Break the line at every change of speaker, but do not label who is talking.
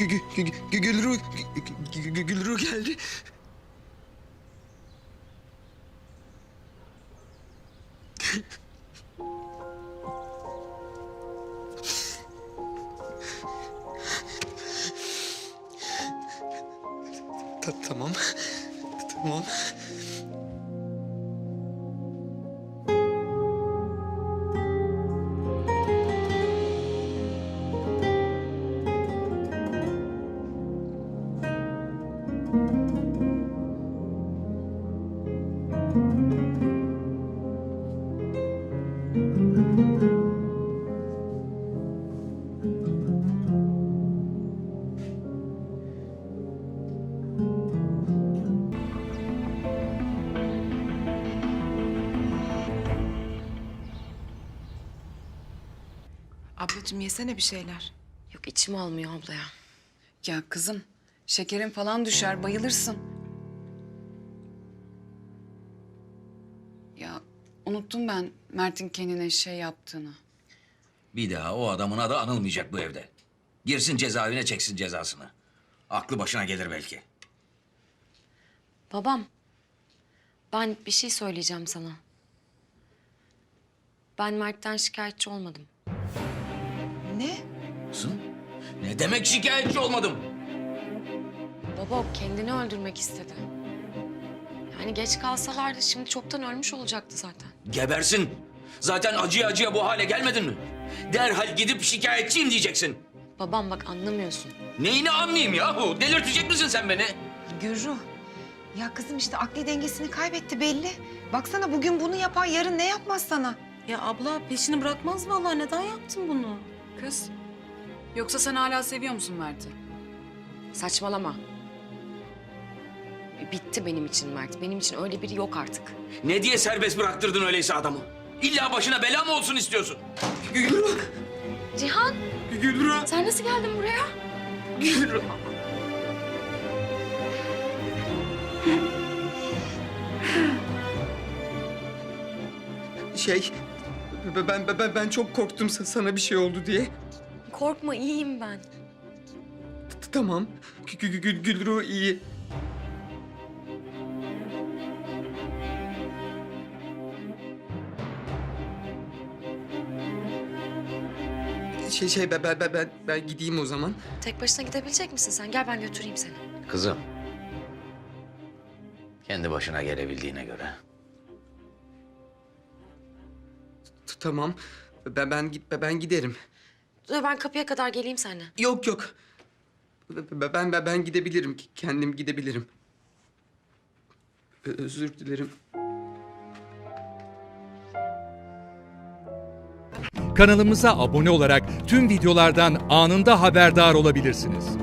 Gülru geldi. Tamam. Tamam.
Ablacığım yesene bir şeyler.
Yok içim almıyor abla ya.
Ya kızım şekerin falan düşer bayılırsın. Ya unuttum ben Mert'in kendine şey yaptığını.
Bir daha o adamın adı anılmayacak bu evde. Girsin cezaevine çeksin cezasını. Aklı başına gelir belki.
Babam, ben bir şey söyleyeceğim sana. Ben Mert'ten şikayetçi olmadım.
Ne?
Kızım, ne demek şikayetçi olmadım?
Baba o kendini öldürmek istedi. Yani geç kalsalardı şimdi çoktan ölmüş olacaktı zaten.
Gebersin. Zaten acıya acıya bu hale gelmedin mi? Derhal gidip şikayetçiyim diyeceksin.
Babam bak anlamıyorsun.
Neyini anlayayım yahu? Delirtecek misin sen beni?
Gürru. Ya kızım işte akli dengesini kaybetti belli. Baksana bugün bunu yapar, yarın ne yapmaz sana?
Ya abla peşini bırakmaz vallahi. Neden yaptın bunu?
Kız yoksa sen hala seviyor musun Mert'i?
Saçmalama. Bitti benim için Mert. Benim için öyle biri yok artık.
Ne diye serbest bıraktırdın öyleyse adamı? İlla başına bela mı olsun istiyorsun?
Gülru.
Cihan,
Gülru.
sen nasıl geldin buraya?
Gülru. Ben çok korktum sana bir şey oldu diye.
Korkma, iyiyim ben.
Tamam. Gülru iyi. Ben gideyim o zaman.
Tek başına gidebilecek misin sen? Gel ben götüreyim seni.
Kızım. Kendi başına gelebildiğine göre.
Tamam. Ben giderim.
Dur ben kapıya kadar geleyim seninle.
Yok. Ben gidebilirim. Kendim gidebilirim. Özür dilerim.
Kanalımıza abone olarak tüm videolardan anında haberdar olabilirsiniz.